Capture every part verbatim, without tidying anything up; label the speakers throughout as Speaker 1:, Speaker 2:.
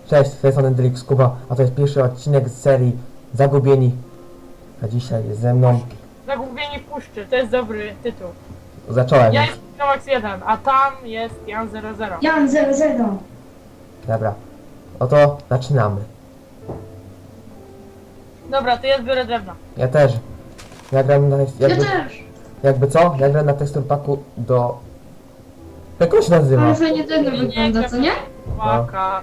Speaker 1: Cześć, to jest Anendrix Kuba, a to jest pierwszy odcinek z serii Zagubieni. A dzisiaj jest ze mną...
Speaker 2: Zagubieni w puszczy, to jest dobry tytuł.
Speaker 1: Zacząłem.
Speaker 2: Ja jestem Tomax jeden, a tam jest Jan zero zero.
Speaker 3: Jan zero zero.
Speaker 1: Dobra. Oto zaczynamy.
Speaker 2: Dobra, to ja zbiorę drewno.
Speaker 1: Ja też. Ja gram na...
Speaker 3: Ja
Speaker 1: Jakby,
Speaker 3: też.
Speaker 1: jakby co? Ja gram na tekstur paku do... Jak on się nazywa?
Speaker 3: Ale fajnie drewno wygląda, co nie?
Speaker 2: Waka.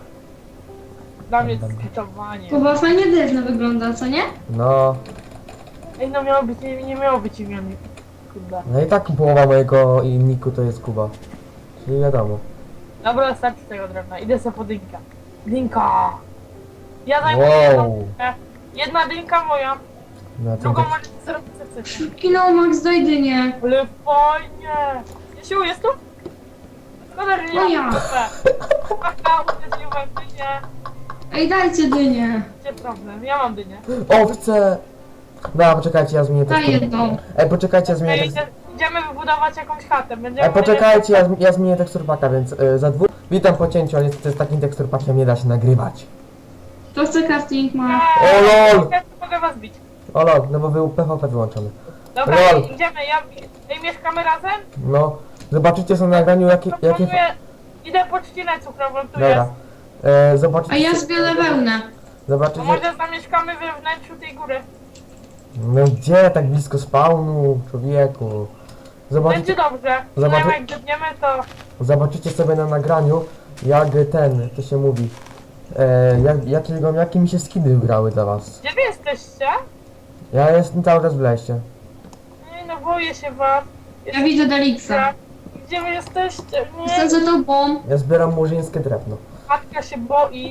Speaker 2: Dla mnie
Speaker 1: Dobra.
Speaker 2: skitowanie.
Speaker 3: Kuba, fajnie drewno wygląda, co nie?
Speaker 1: No...
Speaker 2: Ej, no miało być, nie, nie miało być imion. Kurde.
Speaker 1: No i tak połowa mojego niku to jest Kuba. Czyli wiadomo.
Speaker 2: Dobra, starczy tego drewna. Idę sobie po dynkę. Dynka! Ja zajmuję jedną
Speaker 1: Wow.
Speaker 2: dynkę. Jedna dynka moja,
Speaker 1: No, to
Speaker 2: drugą
Speaker 1: tak...
Speaker 2: możecie zrobić co chcecie.
Speaker 3: Kino Max, daj dynię.
Speaker 2: Ale fajnie! Jasiu, jest tu? Szkoda, że nie
Speaker 3: No ja.
Speaker 2: mam Aha, uderzyłem dynię.
Speaker 3: Ej, dajcie dynię.
Speaker 2: Gdzie problem? Ja mam dynię.
Speaker 1: Owce! No, poczekajcie, ja zmienię
Speaker 3: Daj
Speaker 1: tekstur.
Speaker 3: jedną.
Speaker 1: Ej, poczekajcie, ja zmienię
Speaker 2: Ej,
Speaker 1: tekstur.
Speaker 2: idzie- idziemy wybudować jakąś chatę. Będziemy
Speaker 1: Ej, poczekajcie, ja, ja zmienię tekstur paka, więc y, za dwóch... Witam po cięciu, ale niestety z takim tekstur pakiem nie da się nagrywać.
Speaker 3: To chce crafting ma.
Speaker 2: Eee,
Speaker 1: O lol!
Speaker 2: ja mogę was bić.
Speaker 1: O lol, no bo był P V P wyłączony.
Speaker 2: Dobra,
Speaker 1: Lol.
Speaker 2: idziemy. Ja... Ej, mieszkamy razem?
Speaker 1: No, zobaczycie są na nagraniu jakie... jakie...
Speaker 2: Proponuję... Idę po trzcinę cukrową, tu
Speaker 1: Dobra.
Speaker 2: jest.
Speaker 1: E, zobaczycie...
Speaker 3: A ja zbiorę wełnę.
Speaker 2: To
Speaker 1: Zobaczycie...
Speaker 2: może zamieszkamy we wnętrzu tej góry.
Speaker 1: No gdzie, tak blisko spawnu, człowieku?
Speaker 2: Będzie
Speaker 1: Zobaczycie,
Speaker 2: dobrze.
Speaker 1: Zobaczy-
Speaker 2: Zobaczy... Jak gdybniemy, to...
Speaker 1: zobaczycie sobie na nagraniu, jak ten, to się mówi... E, jak, jakiego, jakie mi się skiny grały dla was.
Speaker 2: Gdzie wy jesteście?
Speaker 1: Ja jestem cały czas w lesie.
Speaker 2: Nie no, boję się was.
Speaker 3: Ja widzę Delixa.
Speaker 2: Gdzie wy jesteście?
Speaker 3: Jestem
Speaker 2: Nie,
Speaker 3: za tobą.
Speaker 1: Ja zbieram murzyńskie drewno.
Speaker 2: matka się boi.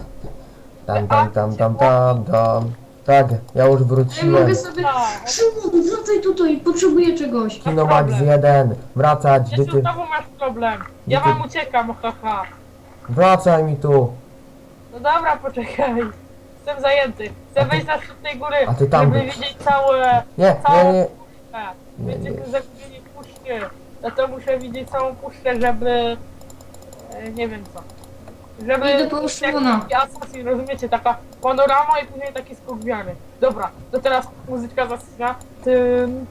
Speaker 1: Tam, tam, tam, tam, tam, tam. Tak, ja już
Speaker 3: Ej,
Speaker 1: wróciłem.
Speaker 3: mogę sobie...
Speaker 2: Tak.
Speaker 3: Szymon, wracaj tutaj, potrzebuję czegoś.
Speaker 1: Kino Max jeden, wracać, gdy
Speaker 2: Jezu,
Speaker 1: ty...
Speaker 2: znowu masz problem. Ja
Speaker 1: Gdy ty-
Speaker 2: wam uciekam, haha.
Speaker 1: Wracaj mi tu.
Speaker 2: No dobra, poczekaj. Jestem zajęty. Chcę wejść na szczyt tej góry,
Speaker 1: A ty tam
Speaker 2: żeby
Speaker 1: być.
Speaker 2: widzieć całe...
Speaker 1: Nie,
Speaker 2: całą
Speaker 1: nie, nie.
Speaker 2: puszczę.
Speaker 1: Nie,
Speaker 2: Będziecie
Speaker 1: nie.
Speaker 2: zagubieni w puszczy. No to muszę widzieć całą puszczę, żeby... e, Nie wiem co. Żeby...
Speaker 3: Idę po Szymona.
Speaker 2: taki Assassin, rozumiecie? Taka panorama i później taki skok wiary. Dobra, to teraz muzyczka zasyna. Tym,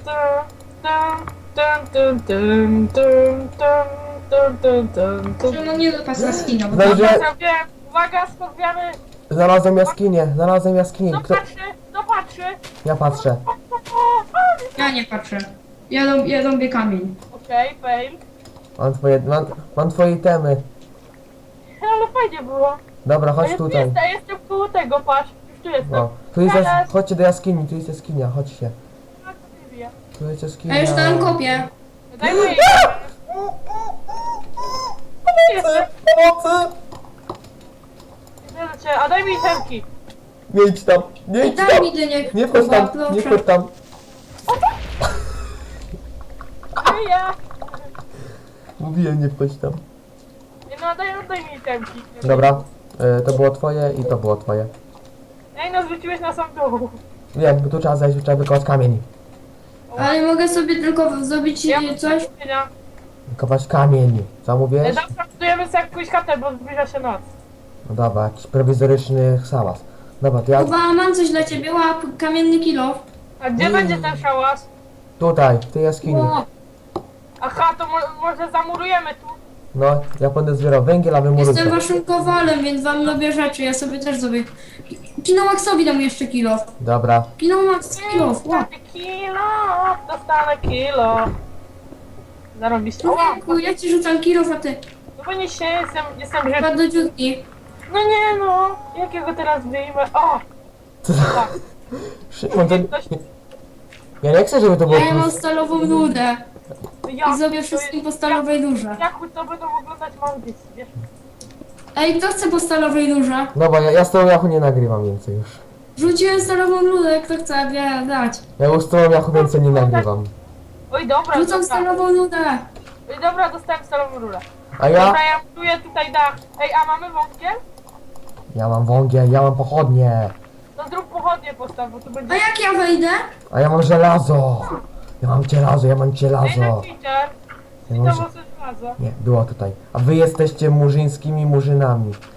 Speaker 2: tym, tym, tym, tym, tym, tym, tym, tym, tym, tym.
Speaker 3: Szymon, nie dopatrz na skina. bo-
Speaker 1: Znajdzie...
Speaker 2: Dobra, zrobiłem. Uwaga, skok wiary.
Speaker 1: Znalazłem jaskinię, znalazłem jaskinię.
Speaker 2: Kto
Speaker 1: Kto...
Speaker 2: patrzy? Kto patrzy?
Speaker 1: Ja patrzę.
Speaker 3: Ja nie patrzę. Ja, rob, ja robię kamień.
Speaker 2: Okej, fail.
Speaker 1: Mam twoje, mam, mam twoje temy.
Speaker 2: Ale fajnie było.
Speaker 1: Dobra,
Speaker 2: A
Speaker 1: chodź
Speaker 2: ja tu
Speaker 1: tutaj.
Speaker 2: jestem, jestem koło tego, patrz. Już tu jestem.
Speaker 1: No, tu jest jas...
Speaker 2: Teraz-
Speaker 1: Chodźcie do jaskini, tu jest jaskinia, chodźcie.
Speaker 2: A, co ty wie?
Speaker 1: Tu jest jaskinia.
Speaker 3: A już tam kopię.
Speaker 2: Daj mi jej. Jestem.
Speaker 1: Pomocy!
Speaker 2: Idę do ciebie. A daj mi temki.
Speaker 1: Nie idź tam, nie idź
Speaker 3: Daj
Speaker 1: tam!
Speaker 3: mi dynię,
Speaker 1: Nie wchodź
Speaker 3: Kuba,
Speaker 1: tam, nie
Speaker 3: proszę.
Speaker 1: wchodź tam.
Speaker 2: Żyję.
Speaker 1: Mówiłem, nie wchodź tam.
Speaker 2: Nie no, daj, daj mi temki.
Speaker 1: Dobra, y, to było twoje i to było twoje.
Speaker 2: Ej, no zwróciłeś na sam dół.
Speaker 1: Wiem, bo tu trzeba zejść, trzeba wykopać kamień.
Speaker 3: Ale mogę sobie tylko zrobić
Speaker 2: Ja
Speaker 3: e,
Speaker 2: mam
Speaker 3: coś?
Speaker 2: zamówienia.
Speaker 1: Wykopać kamień. Co mówisz?
Speaker 2: Zawsze budujemy sobie jakąś chatę, bo zbliża się noc.
Speaker 1: No dobra, jakiś prowizoryczny hałas. Dobra, to ja
Speaker 3: Kuba, mam coś dla ciebie, łap kamienny kilo.
Speaker 2: A gdzie
Speaker 1: Mm.
Speaker 2: będzie ten szałas?
Speaker 1: tutaj, w tej jaskini.
Speaker 3: O,
Speaker 2: Aha, to mo może zamurujemy tu.
Speaker 1: No, ja będę zbierał węgiel, a wy
Speaker 3: jestem
Speaker 1: murujcie.
Speaker 3: waszym kowalem, więc wam robię rzeczy, ja sobie też zrobię. Kino Maxowi dam jeszcze kilo.
Speaker 1: Dobra.
Speaker 3: Kino Max, kilo, łap.
Speaker 2: Dostanę kilo, dostanę kilo. Zarobiście. O,
Speaker 3: Człowieku, ja ci rzucam kilo, a ty
Speaker 2: no bo nie się, jestem, jestem rzeczy.
Speaker 3: wpadł do dziurki.
Speaker 2: No nie no, jakiego teraz wyjmę? O!
Speaker 1: Co za...
Speaker 2: Tak,
Speaker 1: Szymon, to...
Speaker 2: ktoś...
Speaker 1: Ja nie chcę, żeby to było
Speaker 3: A ja mam
Speaker 1: plus...
Speaker 3: stalową nudę
Speaker 2: Ja,
Speaker 3: i zrobię wszystkim po stalowej nurze.
Speaker 2: Jak to będą oglądać mam dzieci, wiesz?
Speaker 3: Ej, kto chce po stalowej nurze?
Speaker 1: No bo ja, ja z tą jachu nie nagrywam więcej już.
Speaker 3: Rzuciłem stalową nudę, kto chce wie, dać.
Speaker 1: Ja już z tą jachu więcej nie nagrywam.
Speaker 2: Oj dobra,
Speaker 3: Rzucam
Speaker 2: dobra.
Speaker 3: stalową nudę.
Speaker 2: Oj dobra, dostałem stalową rurę.
Speaker 1: A ja?
Speaker 2: Dobra, ja buduję tutaj dach. Ej, a mamy wątkiel?
Speaker 1: Ja mam wągiel, ja mam pochodnie.
Speaker 2: To zrób pochodnie postaw, bo tu będzie...
Speaker 3: A jak ja wejdę?
Speaker 1: A ja mam żelazo. Ja mam żelazo, ja mam
Speaker 2: Ej,
Speaker 1: żelazo.
Speaker 2: na cheater.
Speaker 1: Ja
Speaker 2: I
Speaker 1: mam
Speaker 2: to
Speaker 1: ż...
Speaker 2: może żelazo.
Speaker 1: Nie, było tutaj. A wy jesteście murzyńskimi murzynami.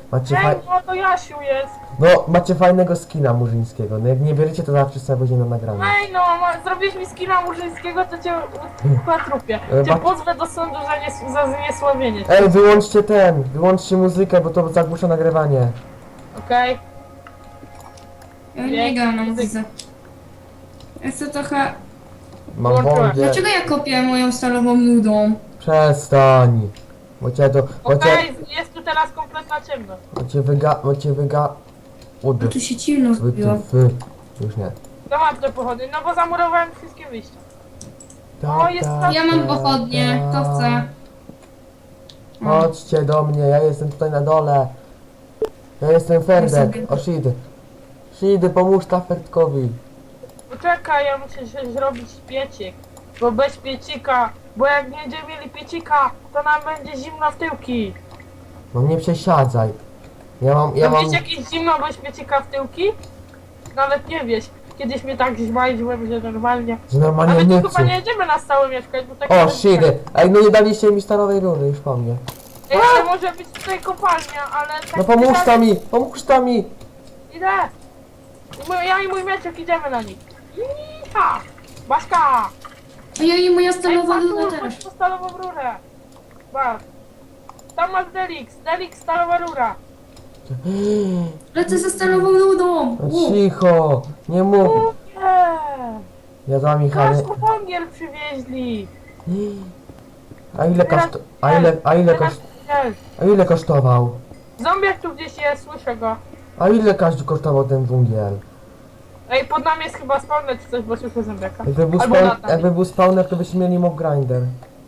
Speaker 1: Macie,
Speaker 2: Ej,
Speaker 1: faj...
Speaker 2: no to Jasiu jest.
Speaker 1: no, macie fajnego skina murzyńskiego. No jak nie bierzecie, to zawsze sobie będzie na nagraniu.
Speaker 2: Ej, no, ma, zrobisz mi skina murzyńskiego, to cię na trupie.
Speaker 1: E,
Speaker 2: Cię
Speaker 1: ba-
Speaker 2: pozwę do sądu za, nies- za zniesławienie.
Speaker 1: Ej, wyłączcie ten, wyłączcie muzykę, bo to zagłusza nagrywanie.
Speaker 2: Okej?
Speaker 3: Ja nie gram na muzyce. Ja chcę trochę...
Speaker 1: Mam
Speaker 2: Włączyłem.
Speaker 1: wągie.
Speaker 3: Dlaczego ja kopię moją stalową nudą?
Speaker 1: Przestań. Bo cię to, bo cię,
Speaker 2: Okej, jest tu teraz kompletna ciemność.
Speaker 1: bo cię wyga, bo cię wyga... Ud.
Speaker 3: No tu się ciemno
Speaker 1: Wy,
Speaker 3: zrobiło.
Speaker 1: ty, wy. Już nie.
Speaker 2: To mam te pochody, no bo zamurowałem wszystkie wyjścia. O, jest tam-
Speaker 3: Ja mam pochodnie, kto chce? O,
Speaker 1: Chodźcie do mnie, ja jestem tutaj na dole. Ja jestem Ferdek.
Speaker 3: sobie-
Speaker 1: O, Shid. Shid, pomóż ta Ferdkowi.
Speaker 2: Poczekaj, ja muszę się zrobić piecik. Bo bez piecika, bo jak nie będziemy mieli piecika, to nam będzie zimno w tyłki.
Speaker 1: No nie przesiadzaj. Ja mam, ja
Speaker 2: Ja
Speaker 1: mam...
Speaker 2: Wiesz jakieś zimno bez piecika w tyłki? Nawet nie wiesz. Kiedyś mnie tak zmajdziłem, że normalnie.
Speaker 1: Że
Speaker 2: A
Speaker 1: normalnie
Speaker 2: my tu
Speaker 1: nie
Speaker 2: chyba nie jedziemy na stałe mieszkać, bo tak
Speaker 1: O,
Speaker 2: nie
Speaker 1: Shid. Ej, no nie daliście mi stalowej rury, już po mnie.
Speaker 2: Ej, ale może być tutaj kopalnia, ale tak
Speaker 1: No pomóż tam mi, pomóż tam mi.
Speaker 2: Idę! I mój- Ja i mój mieczek idziemy na nich. Iha! Baśka!
Speaker 3: A ja i moja
Speaker 2: Ej,
Speaker 3: stalowa
Speaker 2: patrz
Speaker 3: nuda
Speaker 2: tu,
Speaker 3: też.
Speaker 2: patrz tu stalową rurę! Patrz! Tam masz Delix, Delix stalowa rura!
Speaker 3: Lecę ze stalową nudą!
Speaker 1: No
Speaker 3: U.
Speaker 1: cicho, nie mów.
Speaker 2: Nie!
Speaker 1: Ja za Michałem.
Speaker 2: Kasku węgiel przywieźli!
Speaker 1: A ile koszt... A ile, a ile koszt... A ile kosztował?
Speaker 2: Zombiak tu gdzieś jest, słyszę go.
Speaker 1: A ile każdy kosztował ten węgiel?
Speaker 2: Ej, pod nami jest chyba spawner czy coś, bo słyszę zombiaka.
Speaker 1: Jakby był,
Speaker 2: Albo
Speaker 1: spawn,
Speaker 2: lata.
Speaker 1: jakby był spawner, to byśmy mieli mob grinder.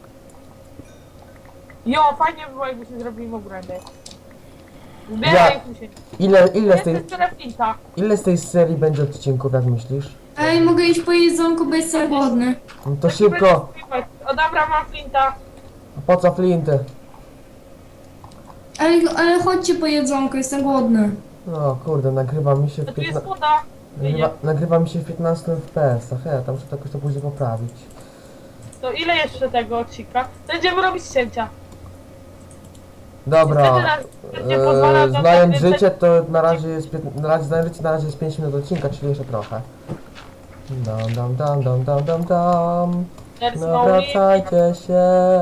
Speaker 2: Jo, fajnie by było jakbyśmy zrobili mob grinder. Zbieraj tu się.
Speaker 1: Ile, ile z tej,
Speaker 2: Jest tyle flinta.
Speaker 1: ile z tej serii będzie odcinków, jak myślisz?
Speaker 3: Ej, mogę iść po jedzonku, bo jestem głodny.
Speaker 1: No to szybko.
Speaker 2: O dobra, mam flinta.
Speaker 1: A po co flinty?
Speaker 3: Ale, ale chodźcie po jedzonko, jestem głodny.
Speaker 1: No kurde, nagrywa mi się
Speaker 2: To
Speaker 1: w
Speaker 2: tu jest
Speaker 1: piętna...
Speaker 2: woda.
Speaker 1: nagrywa, nagrywa mi się w piętnaście F P S, a hej, tam muszę to jakoś to później poprawić.
Speaker 2: To ile jeszcze tego odcinka? To będziemy robić cięcia.
Speaker 1: Dobra,
Speaker 2: Niestety nas nie pozwala
Speaker 1: e,
Speaker 2: to
Speaker 1: znając
Speaker 2: tak więcej-
Speaker 1: życie, to na razie jest, pięt- na razie, znając życie, na razie jest pięć minut odcinka, czyli jeszcze trochę. Dam, dam, dam, dam, dam, dam, dam.
Speaker 2: There's
Speaker 1: No
Speaker 2: no limit.
Speaker 1: wracajcie się.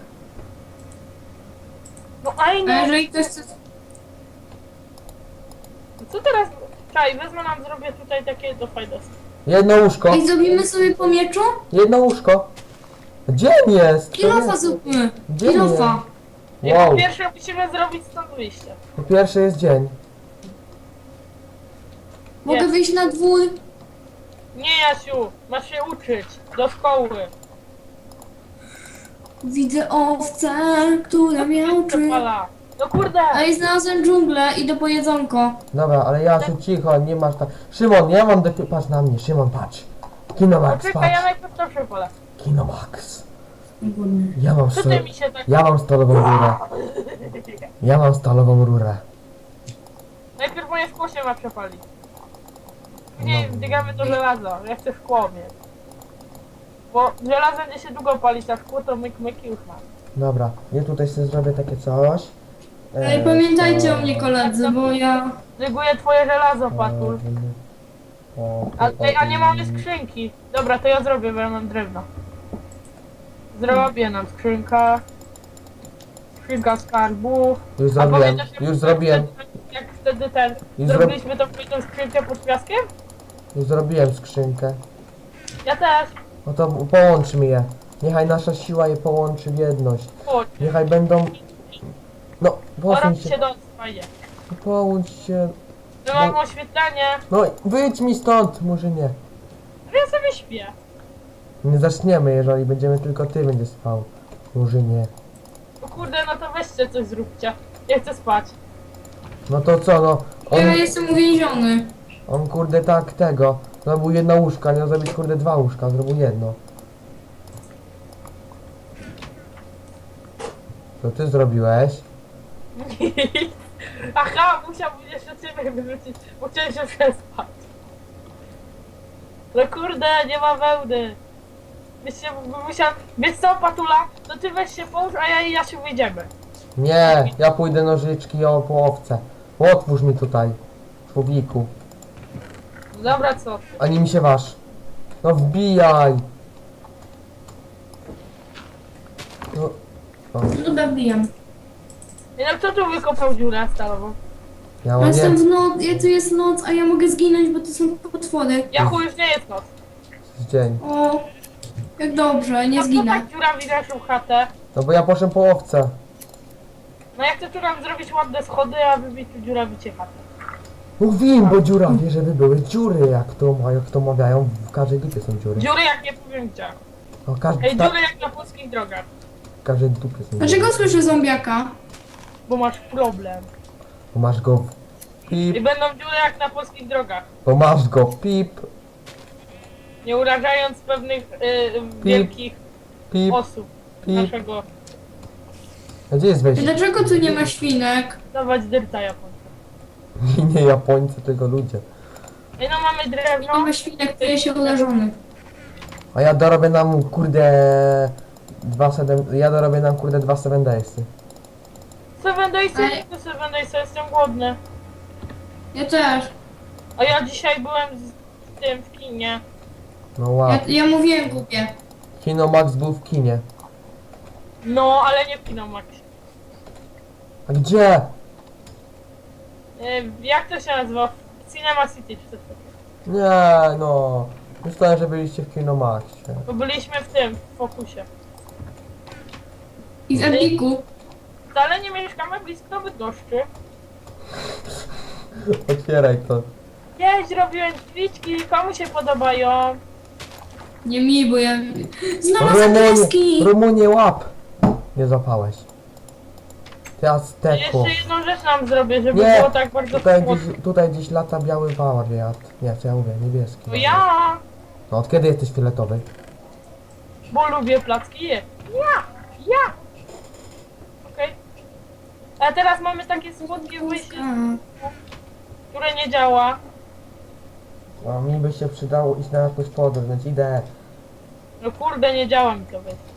Speaker 2: No ej
Speaker 3: A
Speaker 2: no,
Speaker 3: jeżeli ktoś chce...
Speaker 2: co teraz? Czaj, wezmę nam, zrobię tutaj takie do fajności.
Speaker 1: Jedno łóżko,
Speaker 3: Ej, zrobimy sobie po mieczu?
Speaker 1: jedno łóżko. Gdzie on jest? To
Speaker 3: Kilofa
Speaker 1: jest-
Speaker 3: zróbmy.
Speaker 1: Gdzie
Speaker 3: Kilofa.
Speaker 2: I
Speaker 1: Wow,
Speaker 2: po pierwsze musimy zrobić stąd wyjście.
Speaker 1: po pierwsze jest dzień.
Speaker 3: Mogę
Speaker 2: Jest.
Speaker 3: wyjść na dwór?
Speaker 2: Nie Jasiu, masz się uczyć. Do szkoły.
Speaker 3: Widzę owcę, która miałczy.
Speaker 2: Przepala. No kurde!
Speaker 3: Ej, znalazłem dżunglę, idę po jedzonko.
Speaker 1: Dobra, ale Jasiu, cicho, nie masz tak... Szymon, ja mam depi... Patrz na mnie, Szymon, patrz. Kinomax,
Speaker 2: Poczekaj, ja
Speaker 1: patrz.
Speaker 2: najpierw to przepalę.
Speaker 1: Kinomax.
Speaker 3: Głodny.
Speaker 1: Ja mam,
Speaker 2: Co
Speaker 1: sto...
Speaker 2: ty mi się tak...
Speaker 1: ja mam stalową rurę. Ja mam stalową rurę.
Speaker 2: Najpierw moje szkło się ma przepalić. Później wbiegamy do żelaza. Ja chcę szkło mieć. Bo żelazo będzie się długo palić, a szkło to myk myk i już ma.
Speaker 1: Dobra, ja tutaj sobie zrobię takie coś.
Speaker 3: Ej,
Speaker 1: E,
Speaker 3: pamiętajcie
Speaker 1: to-
Speaker 3: o mnie koledzy, bo ja...
Speaker 2: Neguję twoje żelazo, Patul.
Speaker 1: O,
Speaker 2: A,
Speaker 1: o,
Speaker 2: ej, a nie
Speaker 1: o,
Speaker 2: mamy skrzynki. Dobra, to ja zrobię, bo ja mam drewno. Zrobię nam skrzynkę. Skrzynka skarbów.
Speaker 1: Już
Speaker 2: A
Speaker 1: zrobiłem,
Speaker 2: pamiętasz, jak
Speaker 1: już
Speaker 2: wtedy-
Speaker 1: zrobiłem,
Speaker 2: Jak wtedy ten...
Speaker 1: Już zro-
Speaker 2: Zrobiliśmy tą tą skrzynkę pod piaskiem?
Speaker 1: już zrobiłem skrzynkę.
Speaker 2: Ja też.
Speaker 1: No to połączmy je. Niechaj nasza siła je połączy w jedność.
Speaker 2: Chodź.
Speaker 1: Niechaj będą... No,
Speaker 2: Pora
Speaker 1: posuń
Speaker 2: mi się
Speaker 1: się.
Speaker 2: do... Fajnie.
Speaker 1: Połącz się.
Speaker 2: My mamy oświetlenie.
Speaker 1: No, wyjdź mi stąd, Murzynie.
Speaker 2: Ale ja sobie śpię.
Speaker 1: Nie zaczniemy, jeżeli będziemy tylko ty będziesz spał. Murzynie.
Speaker 2: O kurde, no to weźcie coś zróbcie. Ja chcę spać.
Speaker 1: No to co, no. On,
Speaker 3: Ja jestem uwięziony.
Speaker 1: on kurde tak tego. Zrobił jedno łóżko, a nie zrobić kurde dwa łóżka, zrobił jedno. To ty zrobiłeś.
Speaker 2: Aha, musiałbym jeszcze ciebie wyrzucić, bo chciałem się przespać. No kurde, nie ma wełny. Byś się musiał... Wiesz co, Patula? To ty weź się połóż, a ja i Jasiu wyjdziemy.
Speaker 1: Nie, ja pójdę nożyczki o po owce. Otwórz mi tutaj. Człowieku.
Speaker 2: No dobra, co ty?
Speaker 1: Ani mi się waż. No wbijaj. No. O,
Speaker 3: No dobra, wbijam.
Speaker 2: Ej, no kto tu wykopał dziurę stalową?
Speaker 1: ja
Speaker 3: Ja
Speaker 1: mam
Speaker 3: jestem
Speaker 1: nie...
Speaker 3: w noc, ja tu jest noc, a ja mogę zginąć, bo to są potwory.
Speaker 2: Jachu, już nie jest noc.
Speaker 1: dzień.
Speaker 3: O, jak dobrze, nie
Speaker 2: A co
Speaker 3: zginę.
Speaker 2: tak dziurawi naszą chatę?
Speaker 1: No bo ja poszedłem po owce.
Speaker 2: No ja chcę tu nam zrobić ładne schody, a wybić tu dziurawicie chatę.
Speaker 1: Mówiłem, bo dziurawie, żeby były dziury, jak to, ma- jak to mawiają, w każdej dupie są dziury.
Speaker 2: Dziury jak nie powiem gdzie.
Speaker 1: No, każdy,
Speaker 2: Ej,
Speaker 1: ta,
Speaker 2: dziury jak na polskich drogach.
Speaker 1: w każdej dupie są dziury.
Speaker 3: Dlaczego słyszę zombiaka?
Speaker 2: Bo masz problem.
Speaker 1: Bo masz go w
Speaker 2: I
Speaker 1: pip,
Speaker 2: będą dziury jak na polskich drogach.
Speaker 1: bo masz go pip,
Speaker 2: Nie urażając pewnych y, wielkich
Speaker 1: pip,
Speaker 2: osób
Speaker 1: pip.
Speaker 2: naszego.
Speaker 1: A gdzie jest wejście?
Speaker 3: Dlaczego tu nie ma świnek?
Speaker 2: Dawać dyrta Japońca.
Speaker 1: Nie Japońcy, tylko ludzie.
Speaker 2: Ej, no mamy
Speaker 3: Nie
Speaker 2: drewno.
Speaker 3: ma świnek, to jest się urażony.
Speaker 1: A ja dorobię nam, kurde, dwa sedem, ja dorobię nam, kurde, dwa seven daysy.
Speaker 2: Seven Daysy,
Speaker 3: Ej.
Speaker 2: to Seven Daysy, jestem głodny.
Speaker 3: Ja też.
Speaker 2: A ja dzisiaj byłem z, z tym w kinie.
Speaker 1: No wow.
Speaker 3: Ja, ja mówiłem głupie.
Speaker 1: Kino Max był w kinie.
Speaker 2: No, ale nie w Kinomaxie.
Speaker 1: A gdzie?
Speaker 2: Y, jak to się nazywa? W Cinema City czy coś takiego.
Speaker 1: Nie, no. Myślałem, że byliście w Kino Maxie.
Speaker 2: Bo byliśmy w tym, w Fokusie.
Speaker 3: I w Epiku.
Speaker 2: Wcale nie mieszkamy blisko Bydgoszczy.
Speaker 1: Otwieraj to.
Speaker 2: Jeźdź, robiłem drzwiczki, komu się podobają?
Speaker 3: Nie mi, bo ja... Znalazłem
Speaker 1: Rumunie,
Speaker 3: kreski!
Speaker 1: Rumunie łap! Nie złapałeś. Ty Azteku.
Speaker 2: Jeszcze jedną rzecz nam zrobię, żeby
Speaker 1: Nie,
Speaker 2: było tak bardzo
Speaker 1: Tutaj
Speaker 2: słodko.
Speaker 1: gdzieś, tutaj gdzieś lata biały wariat. Nie, co ja mówię, niebieski.
Speaker 2: To ja,
Speaker 1: No od kiedy jesteś fioletowy?
Speaker 2: bo lubię placki je. Ja, ja. Okej. A teraz mamy takie słodkie wyjście,
Speaker 3: A,
Speaker 2: które nie działa.
Speaker 1: A mi by się przydało iść na jakąś podróż, więc idę.
Speaker 2: No kurde, nie działa mi to wyjść.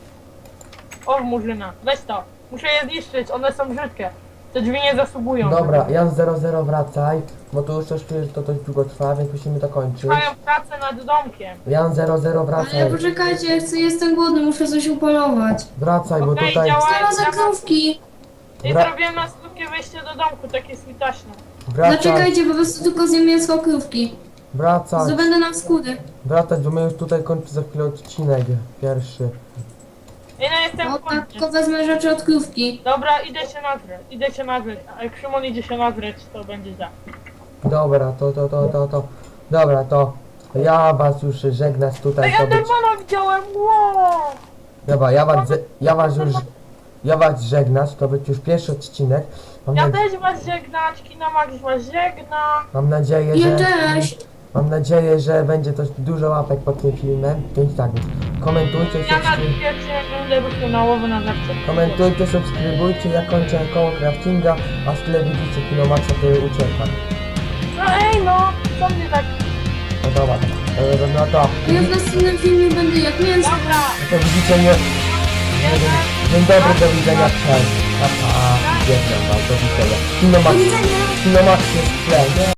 Speaker 2: O, murzyna, weź to. Muszę je zniszczyć, one są brzydkie. Te drzwi nie zasługują.
Speaker 1: Dobra, Jan zero zero wracaj, bo tu już coś czuję, że to dość długo trwa, więc musimy to kończyć.
Speaker 2: Trwają pracę nad domkiem.
Speaker 1: Jan zero zero
Speaker 3: ale
Speaker 1: wracaj.
Speaker 3: poczekajcie, ja chcę, jestem głodny, muszę coś upolować.
Speaker 1: Wracaj, bo
Speaker 2: Okej,
Speaker 1: tutaj...
Speaker 2: działa.
Speaker 3: Znalazłem krówki!
Speaker 2: I
Speaker 1: Wra-
Speaker 2: zrobiłem na skutkie wejście do domku, takie switaśne.
Speaker 1: Wracaj,
Speaker 3: Zaczekajcie, po prostu tylko zjem mięsko krówki.
Speaker 1: wracaj,
Speaker 3: Zdobędę nam skóry.
Speaker 1: wracać, bo my już tutaj kończymy za chwilę odcinek pierwszy.
Speaker 2: Ej, no jestem
Speaker 3: O,
Speaker 2: w
Speaker 3: tak,
Speaker 2: końcu.
Speaker 3: tylko wezmę rzeczy od krówki.
Speaker 2: Dobra, idę się nazreć, idę się nazreć. A jak Szymon idzie się nazreć, to będzie za.
Speaker 1: Dobra, to, to, to, to, to. Dobra, to ja was już żegnać tutaj.
Speaker 2: Ej,
Speaker 1: To być...
Speaker 2: Endermana widziałem, wow!
Speaker 1: Dobra, ja was, ze- ja was już... Ja was żegnać, to być już pierwszy odcinek. Mam,
Speaker 2: Ja
Speaker 1: na...
Speaker 2: też was żegnać, Kinomax was żegna.
Speaker 1: Mam nadzieję,
Speaker 3: Ja
Speaker 1: że...
Speaker 3: też.
Speaker 1: Mam nadzieję, że będzie też dużo łapek pod tym filmem. Więc tak, więc komentujcie,
Speaker 2: Ja na
Speaker 1: subskryb...
Speaker 2: pierwszy będę ruszył na łowy na zawsze.
Speaker 1: komentujcie, subskrybujcie. Ja kończę koło craftinga, a z tyle widzicie Kinomaxa, to ucieka.
Speaker 2: No ej no, co mnie tak...
Speaker 1: No dobra, dobra. No to,
Speaker 3: Ja w następnym filmie będę jak mięso.
Speaker 2: Dobra,
Speaker 1: no to widzicie mnie.
Speaker 2: jeden.
Speaker 1: Dzień dobry, do widzenia, cześć. Pa, pa. Dziękuję wam, do widzenia.
Speaker 3: Do
Speaker 1: Kinomax,
Speaker 3: widzenia!
Speaker 1: Kinomax jest w tle, nie?